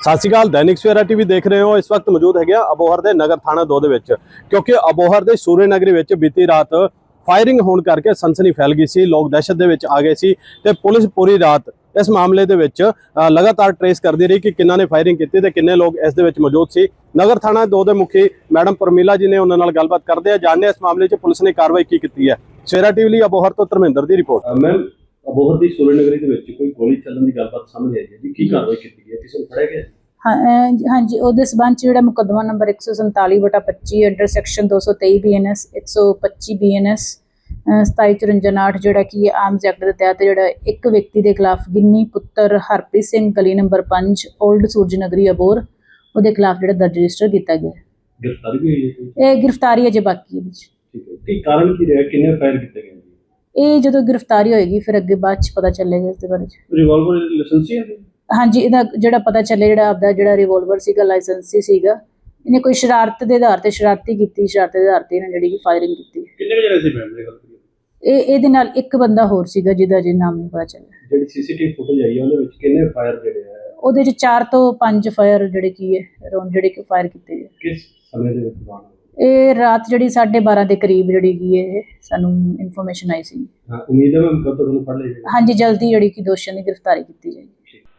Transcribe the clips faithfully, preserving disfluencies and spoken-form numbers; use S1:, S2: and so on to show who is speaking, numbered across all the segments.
S1: ਸਤਿ ਸ਼੍ਰੀ ਅਕਾਲ। दैनिक सवेरा टीवी देख रहे हो। इस वक्त मौजूद है अबोहर के नगर थाना दो ਦੇ ਵਿੱਚ क्योंकि अबोहर के सूर्य नगरी ਵਿੱਚ बीती रात फायरिंग होने करके सनसनी फैल गई सी। लोग दहशत ਦੇ ਵਿੱਚ आ गए सी ਤੇ पुलिस पूरी रात इस मामले ਦੇ ਵਿੱਚ लगातार ट्रेस करती रही कि किन्ना ने फायरिंग की ਤੇ किन्ने लोग इस ਦੇ ਵਿੱਚ मौजूद सी। नगर थाना दो ਦੇ मुखी मैडम परमीला जी ने उन्होंने गलबात करते हैं, जानने इस मामले में पुलिस ने कार्रवाई की की है। सवेरा टीवी ਲਈ अबोहर ਤੋਂ ਧਰਮਿੰਦਰ ਦੀ ਰਿਪੋर्ट।
S2: मैम अबोहर की सूर्य नगरी ਦੇ ਵਿੱਚ ਕੋਈ ਗੋਲੀ ਚੱਲਣ ਦੀ ਗੱਲਬਾਤ ਸਾਹਮਣੇ ਆਈ ਹੈ ਜੀ, ਕੀ ਕਾਰਵਾਈ ਕੀਤੀ ਗਈ ਹੈ, ਕਿਸੇ ਨੂੰ ਫੜਿਆ ਗਿਆ?
S3: हाँ हाँ जी, ਉਹਦੇ ਸਬੰਧ ਚ ਜਿਹੜਾ ਮੁਕੱਦਮਾ ਨੰਬਰ एक सौ सैंतालीस बटा पच्ची अंडर सैक्शन दो सौ तेई बी एन एस एक सौ पच्ची बी एन एस सताई चुरंजा नाठ ਜਿਹੜਾ ਕਿ ਆਰਮਸ ਐਕਟ ਦੇ ਤਹਿਤ ਜਿਹੜਾ ਇੱਕ ਵਿਅਕਤੀ ਦੇ ਖਿਲਾਫ ਗਿੰਨੀ ਪੁੱਤਰ ਹਰਪ੍ਰੀਤ ਸਿੰਘ ਗਲੀ ਨੰਬਰ ਪੰਜ 올ਡ ਸੂਰਜ ਨਗਰੀ ਅਬੋਹਰ ਉਹਦੇ ਖਿਲਾਫ ਜਿਹੜਾ ਦਰਜ ਰਜਿਸਟਰ ਕੀਤਾ ਗਿਆ।
S2: ਗ੍ਰਿਫਤਾਰੀ ਵੀ ਹੋਈ ਹੈ?
S3: ਇਹ ਗ੍ਰਿਫਤਾਰੀ ਅਜੇ ਬਾਕੀ ਹੈ।
S2: ਠੀਕ ਹੈ, ਕੀ ਕਾਰਨ ਕੀ ਰਿਹਾ, ਕਿੰਨੇ ਫਾਇਰ ਕੀਤੇ ਗਏ?
S3: ਇਹ ਜਦੋਂ ਗ੍ਰਿਫਤਾਰੀ ਹੋਏਗੀ ਫਿਰ ਅੱਗੇ ਬਾਅਦ ਚ ਪਤਾ ਚੱਲੇਗਾ ਇਸ ਦੇ ਬਾਰੇ।
S2: ਰਿਵਾਲਵਰ ਲਾਇਸੈਂਸੀ ਹੈ?
S3: ਹਾਂਜੀ, ਇਹਦਾ ਜਿਹੜਾ ਪਤਾ ਚੱਲੇ ਜਿਹੜਾ ਆਪਦਾ ਜਿਹੜਾ ਰਿਵੋਲਵਰ ਸੀਗਾ ਲਾਇਸੈਂਸੀ ਸੀਗਾ, ਇਹਨੇ ਕੋਈ ਸ਼ਰਾਰਤ ਦੇ ਆਧਾਰ ਤੇ ਸ਼ਰਾਰਤੀ ਕੀਤੀ ਸ਼ਰਾਰਤ ਦੇ ਆਧਾਰ ਤੇ ਇਹਨਾਂ ਜਿਹੜੀ ਫਾਇਰਿੰਗ ਕੀਤੀ।
S2: ਕਿੰਨੇ ਜਣੇ ਸੀ ਮੈਮ ਦੀ ਗੱਲ ਕਰੀਏ?
S3: ਇਹ ਇਹਦੇ ਨਾਲ ਇੱਕ ਬੰਦਾ ਹੋਰ ਸੀਗਾ ਜਿਹਦਾ ਜੇ ਨਾਮ ਨਹੀਂ ਪਤਾ ਚੱਲਿਆ।
S2: ਜਿਹੜੀ ਸੀਸੀਟੀਵੀ ਫੁਟੇਜ ਆਈ ਹੈ ਉਹਦੇ ਵਿੱਚ ਕਿੰਨੇ ਫਾਇਰ ਜਿਹੜੇ ਆ?
S3: ਉਹਦੇ ਚ ਚਾਰ ਤੋਂ ਪੰਜ ਫਾਇਰ ਜਿਹੜੇ ਕੀ ਹੈ ਰੌਂਡ ਜਿਹੜੇ ਕਿ ਫਾਇਰ ਕੀਤੇ ਗਏ।
S2: ਕਿਸ ਸਮੇਂ ਦੇ ਵਿੱਚ ਬਾਣ?
S3: ਇਹ ਰਾਤ ਜਿਹੜੀ ਸਾਢੇ ਬਾਰਾਂ ਦੇ ਕਰੀਬ ਜਿਹੜੀ ਕੀ ਹੈ ਇਹ ਸਾਨੂੰ ਇਨਫੋਰਮੇਸ਼ਨ ਆਈ ਸੀ।
S2: ਹਾਂ, ਉਮੀਦ ਹੈ ਮੈਮ ਕਦੋਂ ਤੁਹਾਨੂੰ ਫੜ ਲਿਆ ਜਾਏਗਾ?
S3: ਹਾਂਜੀ, ਜਲਦੀ ਜਿਹੜੀ ਕਿ ਦੋਸ਼ੀਆਂ ਦੀ ਗ੍ਰਿਫਤਾਰੀ ਕੀਤੀ ਜਾਏਗੀ।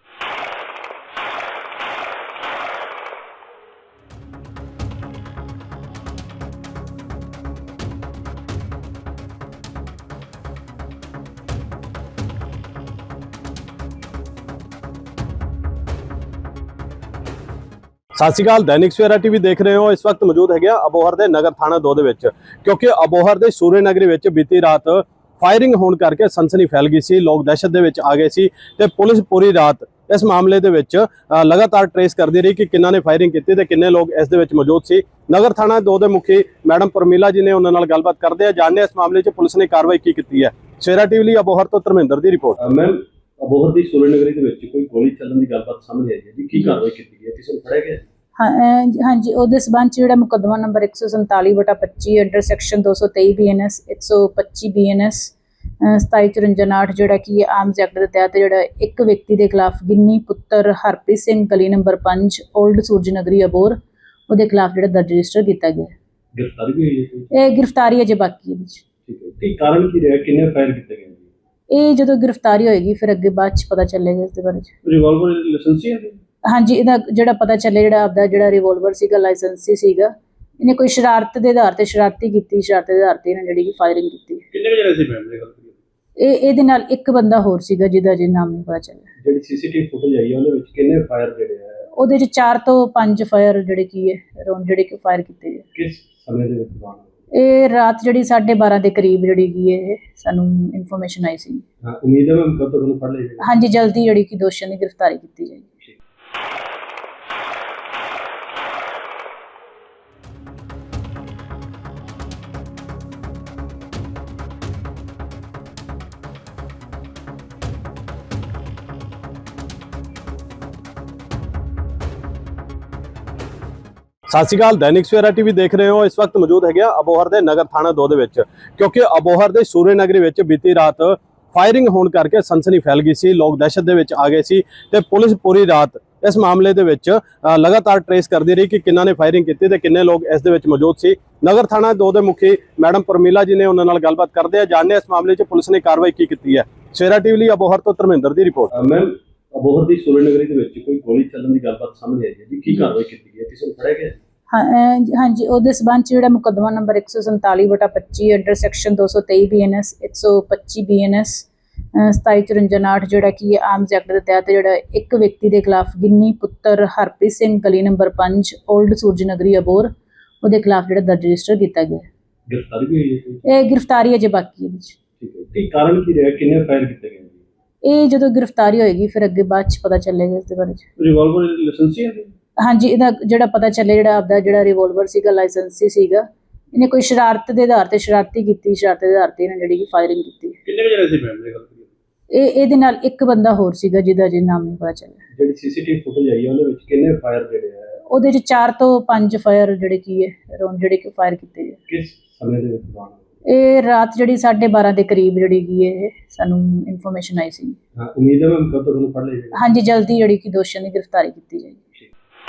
S1: सत श्री अकाल। दैनिक सवेरा टीवी देख रहे हो। इस वक्त मौजूद है अबोहर के नगर थाना दो ਦੇ ਵਿੱਚ क्योंकि अबोहर के सूर्य नगरी ਵਿੱਚ बीती रात फायरिंग होने करके सनसनी फैल गई सी। लोग दहशत ਦੇ ਵਿੱਚ आ गए सी ਤੇ पुलिस पूरी रात इस मामले ਦੇ ਵਿੱਚ लगातार ट्रेस करती रही कि किन्ना ने फायरिंग की ਤੇ किन्ने लोग इस ਦੇ ਵਿੱਚ मौजूद सी। नगर थाना दो ਦੇ मुखी मैडम परमीला जी ने उन्होंने नाल गलबात करते हैं, जानने इस मामले में पुलिस ने कार्रवाई की की है। सवेरा टीवी ਲਈ अबोहर ਤੋਂ ਧਰਮਿੰਦਰ ਦੀ ਰਿਪੋर्ट।
S2: ਮੈਮ ਅਬੋਹਰ ਦੀ सूर्य नगरी ਦੇ ਵਿੱਚ ਕੋਈ ਗੋਲੀ ਚੱਲਣ ਦੀ ਗੱਲਬਾਤ ਸਾਹਮਣੇ ਆਈ ਹੈ ਜੀ, ਕੀ ਕਾਰਵਾਈ ਕੀਤੀ ਗਈ ਹੈ, ਕਿਸੇ ਨੂੰ ਫੜਿਆ ਗਿਆ?
S3: ਹਾਂ हाँ जी, ਉਹਦੇ ਸਬੰਧ ਚ ਜਿਹੜਾ ਮੁਕੱਦਮਾ ਨੰਬਰ एक सौ सैंतालीस बटा पच्ची अंडर सैक्शन दो सौ तेई बी एन एस एक सौ पच्ची बी एन एस सताई चुरंजा नाठ ਜਿਹੜਾ ਕਿ ਆਰਮਸ ਐਕਟ ਦੇ ਤਹਿਤ ਜਿਹੜਾ ਇੱਕ ਵਿਅਕਤੀ ਦੇ ਖਿਲਾਫ ਗਿੰਨੀ ਪੁੱਤਰ ਹਰਪ੍ਰੀਤ ਸਿੰਘ ਗਲੀ ਨੰਬਰ ਪੰਜ 올ਡ ਸੂਰਜ ਨਗਰੀ ਅਬੋਹਰ ਉਹਦੇ ਖਿਲਾਫ ਜਿਹੜਾ ਦਰਜ ਰਜਿਸਟਰ ਕੀਤਾ ਗਿਆ।
S2: ਗ੍ਰਿਫਤਾਰੀ ਵੀ ਹੋਈ ਹੈ?
S3: ਇਹ ਗ੍ਰਿਫਤਾਰੀ ਅਜੇ ਬਾਕੀ ਹੈ।
S2: ਠੀਕ ਹੈ, ਕੀ ਕਾਰਨ ਕੀ ਰਿਹਾ, ਕਿੰਨੇ ਫਾਇਰ ਕੀਤੇ ਗਏ?
S3: ਇਹ ਜਦੋਂ ਗ੍ਰਿਫਤਾਰੀ ਹੋਏਗੀ ਫਿਰ ਅੱਗੇ ਬਾਅਦ ਚ ਪਤਾ ਚੱਲੇਗਾ ਇਸ ਦੇ ਬਾਰੇ।
S2: ਰਿਵਾਲਵਰ ਲਾਇਸੈਂਸੀ ਹੈ?
S3: ਹਾਂਜੀ, ਇਹਦਾ ਜਿਹੜਾ ਪਤਾ ਚੱਲੇ ਜਿਹੜਾ ਆਪਦਾ ਜਿਹੜਾ ਰਿਵੋਲਵਰ ਸੀਗਾ ਲਾਇਸੈਂਸੀ ਸੀਗਾ, ਇਹਨੇ ਕੋਈ ਸ਼ਰਾਰਤ ਦੇ ਆਧਾਰ ਤੇ ਸ਼ਰਾਰਤੀ ਕੀਤੀ ਸ਼ਰਾਰਤ ਦੇ ਆਧਾਰ ਤੇ ਇਹਨਾਂ ਜਿਹੜੀ ਕਿ ਫਾਇਰਿੰਗ ਕੀਤੀ।
S2: ਕਿੰਨੇ ਜਣੇ ਸੀ ਮੈਮ ਦੀ ਗੱਲ ਕਰੀਏ?
S3: ਇਹ ਇਹਦੇ ਨਾਲ ਇੱਕ ਬੰਦਾ ਹੋਰ ਸੀਗਾ ਜਿਹਦਾ ਜੇ ਨਾਮ ਨਹੀਂ ਪਤਾ ਚੱਲਿਆ।
S2: ਜਿਹੜੀ ਸੀਸੀਟੀਵੀ ਫੁਟੇਜ ਆਈ ਹੈ ਉਹਦੇ ਵਿੱਚ ਕਿੰਨੇ ਫਾਇਰ ਜਿਹੜੇ ਆ?
S3: ਉਹਦੇ ਚ ਚਾਰ ਤੋਂ ਪੰਜ ਫਾਇਰ ਜਿਹੜੇ ਕੀ ਹੈ ਰੌਂਡ ਜਿਹੜੇ ਕਿ ਫਾਇਰ ਕੀਤੇ ਗਏ।
S2: ਕਿਸ ਸਮੇਂ ਦੇ ਵਿੱਚ ਬਾਣ?
S3: ਇਹ ਰਾਤ ਜਿਹੜੀ ਸਾਢੇ ਬਾਰਾਂ ਦੇ ਕਰੀਬ ਜਿਹੜੀ ਕੀ ਹੈ ਇਹ ਸਾਨੂੰ ਇਨਫੋਰਮੇਸ਼ਨ ਆਈ ਸੀ।
S2: ਹਾਂ, ਉਮੀਦ ਹੈ ਮੈਮ ਕਦੋਂ ਤੁਹਾਨੂੰ ਫੜ ਲਿਆ ਜਾਏਗਾ?
S3: ਹਾਂਜੀ, ਜਲਦੀ ਜਿਹੜੀ ਕਿ ਦੋਸ਼ੀਆਂ ਦੀ ਗ੍ਰਿਫਤਾਰੀ ਕੀਤੀ ਜਾਏਗੀ।
S1: सत श्री अकाल। दैनिक सवेरा टीवी देख रहे हो। इस वक्त मौजूद है अबोहर के नगर थाना दो ਦੇ ਵਿੱਚ क्योंकि अबोहर के सूर्य नगरी ਵਿੱਚ बीती रात फायरिंग होने करके सनसनी फैल गई सी। लोग दहशत ਦੇ ਵਿੱਚ आ गए सी ਤੇ पुलिस पूरी रात इस मामले ਦੇ ਵਿੱਚ लगातार ट्रेस करती रही कि किन्ना ने फायरिंग की ਤੇ किन्ने लोग इस ਦੇ ਵਿੱਚ मौजूद सी। नगर थाना दो ਦੇ मुखी मैडम परमीला जी ने उन्होंने नाल गलबात करते हैं, जानने इस मामले में पुलिस ने कार्रवाई की की है। सवेरा टीवी ਲਈ अबोहर ਤੋਂ ਧਰਮਿੰਦਰ ਦੀ ਰਿਪੋर्ट।
S2: ਮੈਮ ਅਬੋਹਰ ਦੀ सूर्य नगरी ਦੇ ਵਿੱਚ ਕੋਈ ਗੋਲੀ ਚੱਲਣ ਦੀ ਗੱਲਬਾਤ ਸਾਹਮਣੇ ਆਈ ਹੈ ਜੀ, ਕੀ ਕਾਰਵਾਈ ਕੀਤੀ ਗਈ ਹੈ, ਕਿਸੇ ਨੂੰ ਫੜਿਆ ਗਿਆ?
S3: ਹਾਂ हाँ जी, ਉਹਦੇ ਸਬੰਧ ਚ ਜਿਹੜਾ ਮੁਕੱਦਮਾ ਨੰਬਰ एक सौ सैंतालीस बटा पच्ची अंडर सैक्शन दो सौ तेई बी एन एस एक सौ पच्ची बी एन एस सताई चुरंजा नाठ ਜਿਹੜਾ ਕਿ ਆਰਮਸ ਐਕਟ ਦੇ ਤਹਿਤ ਜਿਹੜਾ ਇੱਕ ਵਿਅਕਤੀ ਦੇ ਖਿਲਾਫ ਗਿੰਨੀ ਪੁੱਤਰ ਹਰਪ੍ਰੀਤ ਸਿੰਘ ਗਲੀ ਨੰਬਰ ਪੰਜ 올ਡ ਸੂਰਜ ਨਗਰੀ ਅਬੋਹਰ ਉਹਦੇ ਖਿਲਾਫ ਜਿਹੜਾ ਦਰਜ ਰਜਿਸਟਰ ਕੀਤਾ ਗਿਆ।
S2: ਗ੍ਰਿਫਤਾਰੀ ਵੀ ਹੋਈ ਹੈ?
S3: ਇਹ ਗ੍ਰਿਫਤਾਰੀ ਅਜੇ ਬਾਕੀ ਹੈ।
S2: ਠੀਕ ਹੈ, ਕੀ ਕਾਰਨ ਕੀ ਰਿਹਾ, ਕਿੰਨੇ ਫਾਇਰ ਕੀਤੇ ਗਏ?
S3: ਇਹ ਜਦੋਂ ਗ੍ਰਿਫਤਾਰੀ ਹੋਏਗੀ ਫਿਰ ਅੱਗੇ ਬਾਅਦ ਚ ਪਤਾ ਚੱਲੇਗਾ ਇਸ ਦੇ ਬਾਰੇ।
S2: ਰਿਵਾਲਵਰ ਲਾਇਸੈਂਸੀ ਹੈ?
S3: ਹਾਂਜੀ, ਇਹਦਾ ਜਿਹੜਾ ਪਤਾ ਚੱਲੇ ਜਿਹੜਾ ਆਪਦਾ ਜਿਹੜਾ ਰਿਵੋਲਵਰ ਸੀਗਾ ਲਾਇਸੈਂਸੀ ਸੀਗਾ, ਇਹਨੇ ਕੋਈ ਸ਼ਰਾਰਤ ਦੇ ਆਧਾਰ ਤੇ ਸ਼ਰਾਰਤੀ ਕੀਤੀ ਸ਼ਰਾਰਤ ਦੇ ਆਧਾਰ ਤੇ ਇਹਨਾਂ ਜਿਹੜੀ ਕਿ ਫਾਇਰਿੰਗ ਕੀਤੀ।
S2: ਕਿੰਨੇ ਜਣੇ ਸੀ ਮੈਮ ਦੀ ਗੱਲ ਕਰੀਏ?
S3: ਇਹ ਇਹਦੇ ਨਾਲ ਇੱਕ ਬੰਦਾ ਹੋਰ ਸੀਗਾ ਜਿਹਦਾ ਜੇ ਨਾਮ ਨਹੀਂ ਪਤਾ ਚੱਲਿਆ।
S2: ਜਿਹੜੀ ਸੀਸੀਟੀਵੀ ਫੁਟੇਜ ਆਈ ਹੈ ਉਹਦੇ ਵਿੱਚ ਕਿੰਨੇ ਫਾਇਰ ਜਿਹੜੇ ਆ?
S3: ਉਹਦੇ ਚ ਚਾਰ ਤੋਂ ਪੰਜ ਫਾਇਰ ਜਿਹੜੇ ਕੀ ਹੈ ਰੌਂਡ ਜਿਹੜੇ ਕਿ ਫਾਇਰ ਕੀਤੇ ਗਏ।
S2: ਕਿਸ ਸਮੇਂ ਦੇ ਵਿੱਚ ਬਾਣ?
S3: ਇਹ ਰਾਤ ਜਿਹੜੀ ਸਾਢੇ ਬਾਰਾਂ ਦੇ ਕਰੀਬ ਜਿਹੜੀ ਕੀ ਹੈ ਇਹ ਸਾਨੂੰ ਇਨਫੋਰਮੇਸ਼ਨ ਆਈ ਸੀ।
S2: ਹਾਂ, ਉਮੀਦ ਹੈ ਮੈਮ ਕਦੋਂ ਤੁਹਾਨੂੰ ਫੜ ਲਿਆ ਜਾਏਗਾ?
S3: ਹਾਂਜੀ, ਜਲਦੀ ਜਿਹੜੀ ਕਿ ਦੋਸ਼ੀਆਂ ਦੀ ਗ੍ਰਿਫਤਾਰੀ ਕੀਤੀ ਜਾਏਗੀ।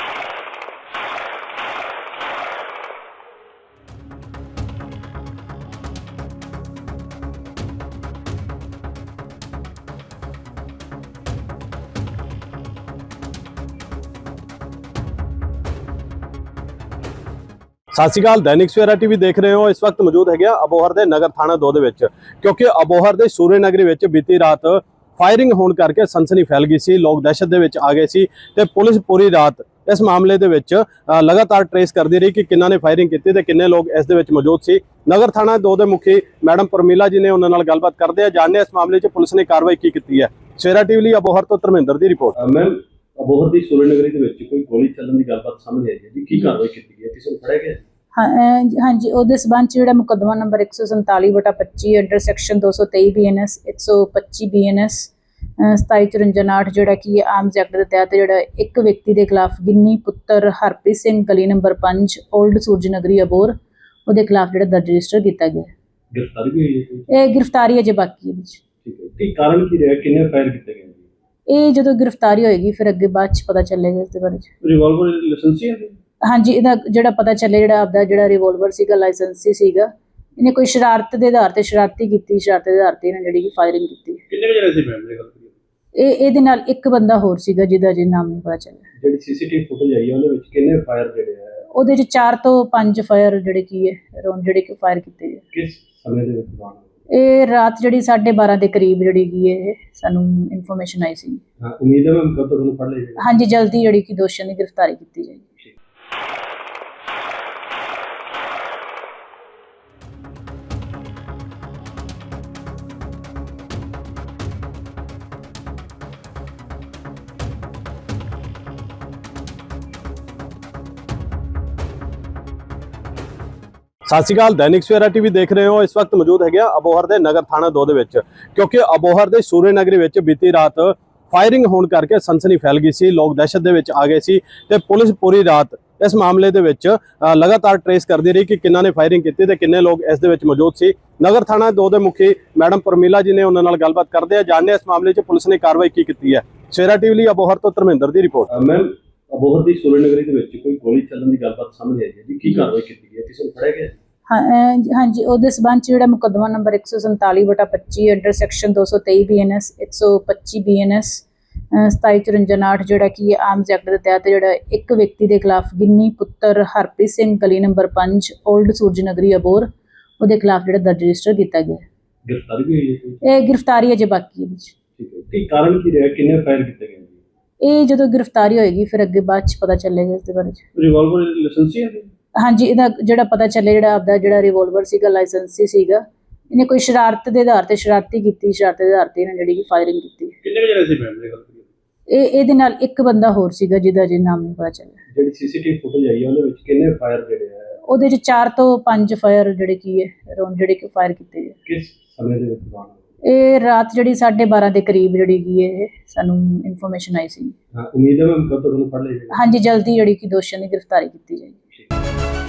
S1: ਸਤਿ ਸ਼੍ਰੀ ਅਕਾਲ। ਦੈਨਿਕ ਸਵੇਰਾ ਟੀਵੀ ਦੇਖ ਰਹੇ ਹੋ। ਇਸ ਵਕਤ ਮੌਜੂਦ ਹੈਗੇ ਆ ਅਬੋਹਰ ਦੇ ਨਗਰ ਥਾਣਾ ਦੋ ਦੇ ਵਿੱਚ, ਕਿਉਂਕਿ ਅਬੋਹਰ ਦੇ ਸੂਰੇ ਨਗਰੀ ਵਿੱਚ ਬੀਤੀ ਰਾਤ ਫਾਇਰਿੰਗ ਹੋਣ ਕਰਕੇ ਸਨਸਨੀ ਫੈਲ ਗਈ ਸੀ। ਲੋਕ ਦਹਿਸ਼ਤ ਦੇ ਵਿੱਚ ਆ ਗਏ ਸੀ ਤੇ ਪੁਲਿਸ ਪੂਰੀ ਰਾਤ ਇਸ ਮਾਮਲੇ ਦੇ ਵਿੱਚ ਅ, ਲਗਾਤਾਰ ਟਰੇਸ ਕਰਦੀ ਰਹੀ ਕਿ ਕਿੰਨਾਂ ਨੇ ਫਾਇਰਿੰਗ ਕੀਤੀ ਤੇ ਕਿੰਨੇ ਲੋਕ ਇਸ ਦੇ ਵਿੱਚ ਮੌਜੂਦ ਸੀ। ਨਗਰ ਥਾਣਾ ਦੋ ਦੇ ਮੁਖੀ ਮੈਡਮ ਪਰਮੀਲਾ ਜੀ ਨੇ ਉਹਨਾਂ ਨਾਲ ਗੱਲਬਾਤ ਕਰਦੇ ਆ, ਜਾਣਦੇ ਇਸ ਮਾਮਲੇ 'ਚ ਪੁਲਿਸ ਨੇ ਕਾਰਵਾਈ ਕੀ ਕੀਤੀ ਹੈ। ਸਵੇਰਾ ਟੀਵੀ ਲਈ ਅਬੋਹਰ ਤੋਂ ਧਰਮਿੰਦਰ ਦੀ ਰਿਪੋਰਟ।
S2: ਮੈਮ, ਅਬੋਹਰ ਦੀ ਸੂਰੇ ਨਗਰੀ ਦੇ ਵਿੱਚ ਕੋਈ ਗੋਲੀ ਚੱਲਣ ਦੀ ਗੱਲਬਾਤ ਸਾਹਮਣੇ ਆਈ ਹੈ ਜੀ, ਕੀ ਕਾਰਵਾਈ ਕੀਤੀ ਗਈ ਹੈ, ਕਿਸੇ ਨੂੰ ਫੜਿਆ ਗਿਆ?
S3: ਹਾਂ ਅਹ ਹਾਂਜੀ, ਉਹਦੇ ਸਬੰਧ 'ਚ ਜਿਹੜਾ ਮੁਕੱਦਮਾ ਨੰਬਰ ਇੱਕ ਸੌ ਸੰਤਾਲੀ ਵਟਾ ਪੱਚੀ ਅੰਡਰ ਸੈਕਸ਼ਨ ਦੋ ਸੌ ਤੇਈ ਬੀ ਐਨ ਐਸ ਇੱਕ ਸੌ ਪੱਚੀ ਬੀ ਐਨ ਐਸ ਸਤਾਈ ਚੁਰੰਜਾ ਨਾਟ ਜਿਹੜਾ ਕਿ ਆਰਮਜ਼ ਐਕਟ ਦੇ ਤਹਿਤ ਜਿਹੜਾ ਇੱਕ ਵਿਅਕਤੀ ਦੇ ਖਿਲਾਫ ਗਿੰਨੀ ਪੁੱਤਰ ਹਰਪ੍ਰੀਤ ਸਿੰਘ ਗਲੀ ਨੰਬਰ ਪੰਜ ਓਲਡ ਸੂਰਜ ਨਗਰੀ ਅਬੋਹਰ ਉਹਦੇ ਖਿਲਾਫ ਜਿਹੜਾ ਦਰਜ ਰਜਿਸਟਰ ਕੀਤਾ ਗਿਆ।
S2: ਗ੍ਰਿਫਤਾਰੀ ਵੀ ਹੋਈ ਹੈ ਕੋਈ?
S3: ਇਹ ਗ੍ਰਿਫਤਾਰੀ ਅਜੇ ਬਾਕੀ ਹੈ ਵਿੱਚ।
S2: ਠੀਕ ਹੈ, ਕੀ ਕਾਰਨ ਕੀ ਰਿਹਾ, ਕਿੰਨੇ ਫਾਇਰ ਕੀਤੇ ਗਏ ਜੀ?
S3: ਇਹ ਜਦੋਂ ਗ੍ਰਿਫਤਾਰੀ ਹੋਏਗੀ ਫਿਰ ਅੱਗੇ ਬਾਅਦ 'ਚ ਪਤਾ ਚੱਲੇਗਾ ਇਸ ਦੇ ਬਾਰੇ 'ਚ।
S2: ਰਿਵਾਲਵਰ ਲਾਇਸੈਂਸੀ ਹੈ?
S3: ਹਾਂਜੀ, ਇਹਦਾ ਜਿਹੜਾ ਪਤਾ ਚੱਲੇ ਜਿਹੜਾ ਆਪਦਾ ਜਿਹੜਾ ਰਿਵੋਲਵਰ ਸੀਗਾ ਲਾਇਸੈਂਸੀ ਸੀਗਾ, ਇਹਨੇ ਕੋਈ ਸ਼ਰਾਰਤ ਦੇ ਆਧਾਰ ਤੇ ਸ਼ਰਾਰਤੀ ਕੀਤੀ ਸ਼ਰਾਰਤ ਦੇ ਆਧਾਰ ਤੇ ਇਹਨੇ ਜਿਹੜੀ ਕਿ ਫਾਇਰਿੰਗ ਕੀਤੀ।
S2: ਕਿੰਨੇ ਜਣੇ ਸੀ ਮੈਮ ਦੀ ਗੱਲ ਕਰੀਏ?
S3: ਇਹ ਇਹਦੇ ਨਾਲ ਇੱਕ ਬੰਦਾ ਹੋਰ ਸੀਗਾ ਜਿਹਦਾ ਜੇ ਨਾਮ ਨਹੀਂ ਪਤਾ ਚੱਲਿਆ।
S2: ਜਿਹੜੀ ਸੀਸੀਟੀਵੀ ਫੁਟੇਜ ਆਈ ਹੈ ਉਹਦੇ ਵਿੱਚ ਕਿੰਨੇ ਫਾਇਰ ਜਿਹੜੇ ਆ,
S3: ਉਹਦੇ 'ਚ ਚਾਰ ਤੋਂ ਪੰਜ ਫਾਇਰ ਜਿਹੜੇ ਕੀ ਹੈ ਰੌਂਡ ਜਿਹੜੇ ਕਿ ਫਾਇਰ ਕੀਤੇ ਗਏ।
S2: ਕਿਸ ਸਮੇਂ ਦੇ ਵਿੱਚ ਹੋਣ?
S3: ਇਹ ਰਾਤ ਜਿਹੜੀ ਸਾਢੇ ਬਾਰਾਂ ਦੇ ਕਰੀਬ ਜਿਹੜੀ ਕੀ ਹੈ ਇਹ ਸਾਨੂੰ ਇਨਫੋਰਮੇਸ਼ਨ ਆਈ ਸੀ।
S2: ਹਾਂ, ਉਮੀਦ ਹੈ ਮੈਮ ਕਦੋਂ ਤੱਕ ਉਹਨੂੰ ਫੜ ਲਿਆ ਜਾਏਗਾ?
S3: ਹਾਂਜੀ, ਜਲਦੀ ਜਿਹੜੀ ਕਿ ਦੋਸ਼ੀਆਂ ਦੀ ਗ੍ਰਿਫਤਾਰੀ ਕੀਤੀ ਜਾਏਗੀ।
S1: ਸਤਿ ਸ਼੍ਰੀ ਅਕਾਲ। ਦੈਨਿਕ ਸਵੇਰਾ ਟੀਵੀ ਦੇਖ ਰਹੇ ਹੋ। ਇਸ ਵਕਤ ਮੌਜੂਦ ਹੈਗੇ ਆ ਅਬੋਹਰ ਦੇ ਨਗਰ ਥਾਣਾ ਦੋ ਦੇ ਵਿੱਚ, ਕਿਉਂਕਿ ਅਬੋਹਰ ਦੇ ਸੂਰੇ ਨਗਰੀ ਵਿੱਚ ਬੀਤੀ ਰਾਤ ਫਾਇਰਿੰਗ ਹੋਣ ਕਰਕੇ ਸਨਸਨੀ ਫੈਲ ਗਈ ਸੀ। ਲੋਕ ਦਹਿਸ਼ਤ ਦੇ ਵਿੱਚ ਆ ਗਏ ਸੀ ਤੇ ਪੁਲਿਸ ਪੂਰੀ ਰਾਤ ਇਸ ਮਾਮਲੇ ਦੇ ਵਿੱਚ ਅ, ਲਗਾਤਾਰ ਟਰੇਸ ਕਰਦੀ ਰਹੀ ਕਿ ਕਿੰਨਾਂ ਨੇ ਫਾਇਰਿੰਗ ਕੀਤੀ ਤੇ ਕਿੰਨੇ ਲੋਕ ਇਸ ਦੇ ਵਿੱਚ ਮੌਜੂਦ ਸੀ। ਨਗਰ ਥਾਣਾ ਦੋ ਦੇ ਮੁਖੀ ਮੈਡਮ ਪਰਮੀਲਾ ਜੀ ਨੇ ਉਹਨਾਂ ਨਾਲ ਗੱਲਬਾਤ ਕਰਦੇ ਆ, ਜਾਣਦੇ ਇਸ ਮਾਮਲੇ 'ਚ ਪੁਲਿਸ ਨੇ ਕਾਰਵਾਈ ਕੀ ਕੀਤੀ ਹੈ। ਸਵੇਰਾ ਟੀਵੀ ਲਈ ਅਬੋਹਰ ਤੋਂ ਧਰਮਿੰਦਰ ਦੀ ਰਿਪੋਰਟ।
S2: ਮੈਮ, ਅਬੋਹਰ ਦੀ ਸੂਰੇ ਨਗਰੀ ਦੇ ਵਿੱਚ ਕੋਈ ਗੋਲੀ ਚੱਲਣ ਦੀ ਗੱਲਬਾਤ ਸਾਹਮਣੇ ਆਈ ਹੈ ਜੀ, ਕੀ ਕਾਰਵਾਈ ਕੀਤੀ ਗਈ ਹੈ, ਕਿਸੇ ਨੂੰ ਫੜਿਆ ਗਿਆ?
S3: ਹਾਂ ਅਹ ਹਾਂਜੀ, ਉਹਦੇ ਸਬੰਧ 'ਚ ਜਿਹੜਾ ਮੁਕੱਦਮਾ ਨੰਬਰ ਇੱਕ ਸੌ ਸੰਤਾਲੀ ਵਟਾ ਪੱਚੀ ਅੰਡਰ ਸੈਕਸ਼ਨ ਦੋ ਸੌ ਤੇਈ ਬੀ ਐਨ ਐਸ ਇੱਕ ਸੌ ਪੱਚੀ ਬੀ ਐਨ ਐਸ ਸਤਾਈ ਚੁਰੰਜਾ ਨਾਟ ਜਿਹੜਾ ਕਿ ਆਰਮਜ਼ ਐਕਟ ਦੇ ਤਹਿਤ ਜਿਹੜਾ ਇੱਕ ਵਿਅਕਤੀ ਦੇ ਖਿਲਾਫ ਗਿੰਨੀ ਪੁੱਤਰ ਹਰਪ੍ਰੀਤ ਸਿੰਘ ਗਲੀ ਨੰਬਰ ਪੰਜ ਓਲਡ ਸੂਰਜ ਨਗਰੀ ਅਬੋਹਰ ਉਹਦੇ ਖਿਲਾਫ ਜਿਹੜਾ ਦਰਜ ਰਜਿਸਟਰ ਕੀਤਾ ਗਿਆ।
S2: ਗ੍ਰਿਫਤਾਰੀ ਵੀ ਹੋਈ ਹੈ ਕੋਈ?
S3: ਇਹ ਗ੍ਰਿਫਤਾਰੀ ਅਜੇ ਬਾਕੀ ਹੈ ਵਿੱਚ।
S2: ਠੀਕ ਹੈ, ਕੀ ਕਾਰਨ ਕੀ ਰਿਹਾ, ਕਿੰਨੇ ਫਾਇਰ ਕੀਤੇ ਗਏ ਜੀ?
S3: ਇਹ ਜਦੋਂ ਗ੍ਰਿਫਤਾਰੀ ਹੋਏਗੀ ਫਿਰ ਅੱਗੇ ਬਾਅਦ 'ਚ ਪਤਾ ਚੱਲੇਗਾ ਇਸ ਦੇ ਬਾਰੇ 'ਚ।
S2: ਰਿਵਾਲਵਰ ਲਾਇਸੈਂਸੀ ਹੈ?
S3: ਹਾਂਜੀ, ਇਹਦਾ ਜਿਹੜਾ ਪਤਾ ਚੱਲੇ ਜਿਹੜਾ ਆਪਦਾ ਜਿਹੜਾ ਰਿਵੋਲਵਰ ਸੀਗਾ ਲਾਇਸੈਂਸੀ ਸੀਗਾ, ਇਹਨੇ ਕੋਈ ਸ਼ਰਾਰਤ ਦੇ ਆਧਾਰ ਤੇ ਸ਼ਰਾਰਤੀ ਕੀਤੀ ਸ਼ਰਾਰਤ ਦੇ ਆਧਾਰ ਤੇ ਇਹਨੇ ਜਿਹੜੀ ਕਿ ਫਾਇਰਿੰਗ ਕੀਤੀ।
S2: ਕਿੰਨੇ ਜਣੇ ਸੀ ਮੈਮ ਦੀ ਗੱਲ ਕਰੀਏ?
S3: ਇਹ ਇਹਦੇ ਨਾਲ ਇੱਕ ਬੰਦਾ ਹੋਰ ਸੀਗਾ ਜਿਹਦਾ ਜੇ ਨਾਮ ਨਹੀਂ ਪਤਾ ਚੱਲਿਆ।
S2: ਜਿਹੜੀ ਸੀਸੀਟੀਵੀ ਫੁਟੇਜ ਆਈ ਹੈ ਉਹਦੇ ਵਿੱਚ ਕਿੰਨੇ ਫਾਇਰ ਜਿਹੜੇ ਆ,
S3: ਉਹਦੇ 'ਚ ਚਾਰ ਤੋਂ ਪੰਜ ਫਾਇਰ ਜਿਹੜੇ ਕੀ ਹੈ ਰੌਂਡ ਜਿਹੜੇ ਕਿ ਫਾਇਰ ਕੀਤੇ ਗਏ।
S2: ਕਿਸ ਸਮੇਂ ਦੇ ਵਿੱਚ ਹੋਣ?
S3: ਇਹ ਰਾਤ ਜਿਹੜੀ ਸਾਢੇ ਬਾਰਾਂ ਦੇ ਕਰੀਬ ਜਿਹੜੀ ਕੀ ਹੈ ਇਹ ਸਾਨੂੰ ਇਨਫੋਰਮੇਸ਼ਨ ਆਈ ਸੀ।
S2: ਹਾਂ, ਉਮੀਦ ਹੈ ਮੈਮ ਕਦੋਂ ਤੱਕ ਉਹਨੂੰ ਫੜ ਲਿਆ ਜਾਏਗਾ?
S3: ਹਾਂਜੀ, ਜਲਦੀ ਜਿਹੜੀ ਕਿ ਦੋਸ਼ੀਆਂ ਦੀ ਗ੍ਰਿਫਤਾਰੀ ਕੀਤੀ ਜਾਏਗੀ।